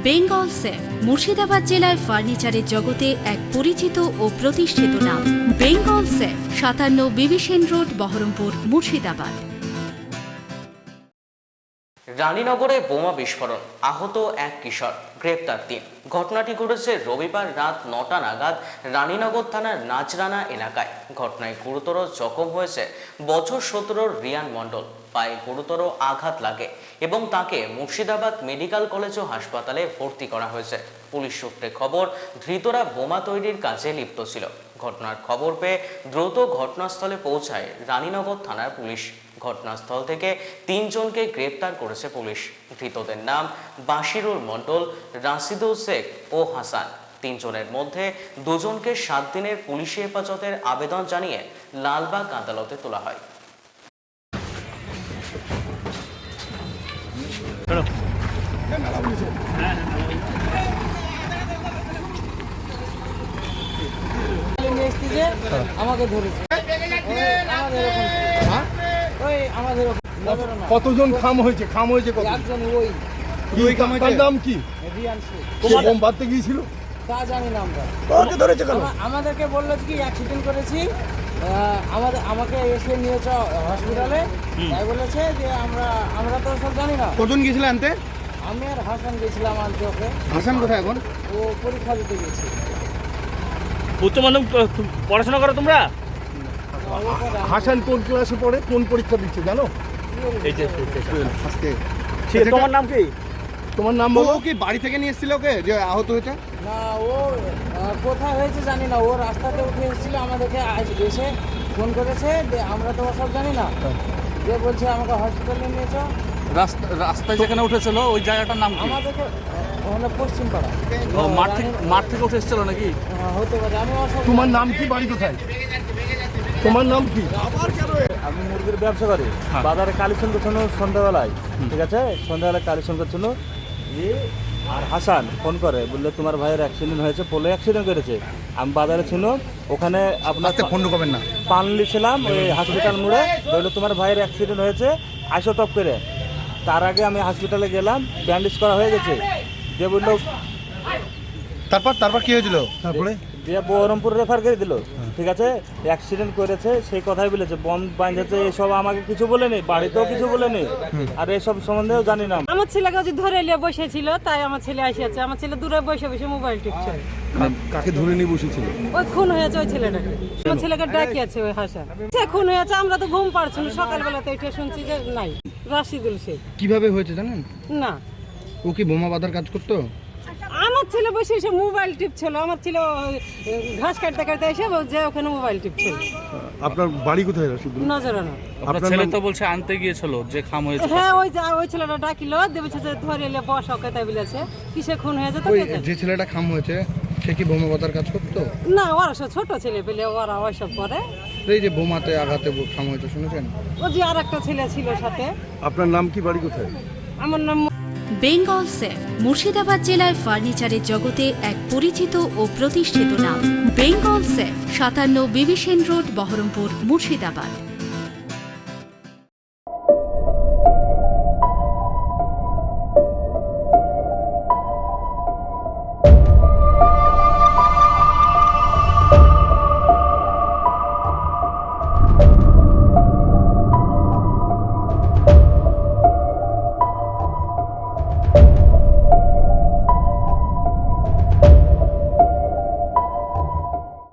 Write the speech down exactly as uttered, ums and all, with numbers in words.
Bengal safe Murshidabad জেলায় ফার্নিচারের জগতে এক পরিচিত ও প্রতিষ্ঠিত নাম। বেঙ্গল সেফ, সাতান্ন বিবি সেন রোড, বহরমপুর, মুর্শিদাবাদ। রানীনগরে বোমা বিস্ফোরণ, আহত এক কিশোর, গ্রেপ্তার তিন। ঘটনাটি ঘটেছে রবিবার রাত নটা নাগাদ রানীনগর থানার নাজরানা এলাকায়। ঘটনায় গুরুতর জখম হয়েছে বছর সতেরোর রিয়ান মণ্ডল। পায়ে গুরুতর আঘাত লাগে এবং তাকে মুর্শিদাবাদ মেডিকেল কলেজ ও হাসপাতালে ভর্তি করা হয়েছে। পুলিশ সূত্রে খবর, ধৃতরা বোমা তৈরির কাজে লিপ্ত ছিল। ঘটনার খবর পেয়ে দ্রুত ঘটনাস্থলে পৌঁছায় রানীনগর থানার পুলিশ। ঘটনাস্থল থেকে তিনজনকে গ্রেপ্তার করেছে পুলিশ। ধৃতদের নাম বাশিরুল মণ্ডল, রাশিদুল শেখ ও হাসান। তিনজনের মধ্যে দুজনকে সাত দিনের পুলিশি হেফাজতের আবেদন জানিয়ে লালবাগ আদালতে তোলা হয়। আমাকে ধরেছে। কতজন খাম হয়েছে? খাম হয়েছে কত? একজন। ওই ওই কামটার নাম কি? রিয়ান শেখ। তোমার বোম বাঁধতে গিয়েছিল? তা জানি না আমরা। ওকে ধরেছে কেন? আমাদেরকে বললো কি অ্যাক্সিডেন্ট করেছি, আমাদের আমাকে এসে নিয়েছে হসপিটালে। তাই বলেছে যে আমরা আমরা তো সব জানি না। কজন গিয়েছিল আনতে? আমি আর হাসান গেছিলাম আনতে ওকে। হাসান কোথায় এখন? ও পরীক্ষা দিতে গেছে। উচ্চ মাধ্যমিক পড়াশোনা করো তোমরা? হাসান কোন ক্লাসে পড়ে, কোন পরীক্ষা দিচ্ছে জানো? এই যে আজকে। তোমার নাম কি? তোমার নাম বলো। কি বাড়ি থেকে নিয়ে এসেছিল ওকে যে আহত হয়েছে? না, ও কোথায় হয়েছে জানি না। ও রাস্তাতে উঠে এসেছিল, আমাদেরকে এসে ফোন করেছে। আমরা তো সব জানি না। যে বলছে আমাকে হসপিটালে নিয়েছ। রাস্তা রাস্তায় যেখানে উঠেছিল ওই জায়গাটার নাম কি? আমাদেরকে ওখানে পশ্চিম পাড়া। মাঠ থেকে মাঠ থেকে উঠে এসেছিল নাকি? হতে পারে। আমি তোমার নাম কি, বাড়ি কোথায়? তোমার নাম কি? আমি মুরগির ব্যবসা করি। বাজারে কালেকশন করছিল সন্ধ্যাবেলায়, ঠিক আছে? সন্ধ্যাবেলায় কালেকশন করছিল যে আর হাসান ফোন করে বললে তোমার ভাইয়ের অ্যাক্সিডেন্ট হয়েছে, পোলে অ্যাক্সিডেন্ট করেছে। আমি বাজারে ছিল, ওখানে আপনার ফোন করবেন না, পানলি ছিলাম ওই হসপিটাল মোড়ে। বললো তোমার ভাইয়ের অ্যাক্সিডেন্ট হয়েছে, আইসো টপ করে। তার আগে আমি হসপিটালে গেলাম, ব্যান্ডেজ করা হয়ে গেছে। যে বললো তারপর তারপর কি হয়েছিল? তারপরে যে বহরমপুর রেফার করে দিল, ঠিক আছে? অ্যাক্সিডেন্ট করেছে সেই কথাই বলেছে। বম বাঁধেছে এসব আমাকে কিছু বলেনি, বাড়িতেও কিছু বলেনি, আর এসব সম্বন্ধেও জানি না। আমার ছেলেকে যদি ধরে নিয়ে বসেছিল, তাই আমার ছেলে আসিয়াছে। আমার ছেলে দূরে বসে বসে মোবাইল টিপছে। কাকে ধরে নিয়ে বসেছিল? ওই খুন হয়েছে ওই ছেলেটাকে। আমার ছেলেকে ডাকিয়েছে ওই হাসা। সে খুন হয়েছে, আমরা তো ঘুম পাচ্ছি না। সকালবেলাতে উঠে শুনছি যে নাই, রাশিদুল শেখ। কিভাবে হয়েছে জানেন? না, ও কি বোমা বাঁধার কাজ করতো? আমার ছেলে বসে এসে মোবাইল টিপছিল। আমার ছেলে ঘাস কাটতে কাটতে এসে যে ওখানে মোবাইল টিপছিল। আপনার বাড়ি কোথায় রাশিদুল? নজরানা। আপনার ছেলে তো বলছে আনতে গিয়েছিল যে খাম হয়েছে। হ্যাঁ, ওই যে ওই ছেলেটা ডাকিল, দেবেছে যে ধরে এলে বস ওকে, তাই বলেছে। কিসে খুন হয়েছে তো? ওই যে ছেলেটা খাম হয়েছে সে কি বোমা বাঁধার কাজ করতো? না, ওরা সব ছোট ছেলে পেলে, ওরা ওইসব করে। এই যে বোমাতে আঘাতে খাম হয়েছে শুনেছেন? ও যে আর একটা ছেলে ছিল সাথে। আপনার নাম কি, বাড়ি কোথায়? আমার নাম বেঙ্গল সেফ মুর্শিদাবাদ জেলায় ফার্নিচারের জগতে এক পরিচিত ও প্রতিষ্ঠিত নাম। বেঙ্গল সেফ, সাতান্ন বিবি সেন রোড, বহরমপুর, মুর্শিদাবাদ।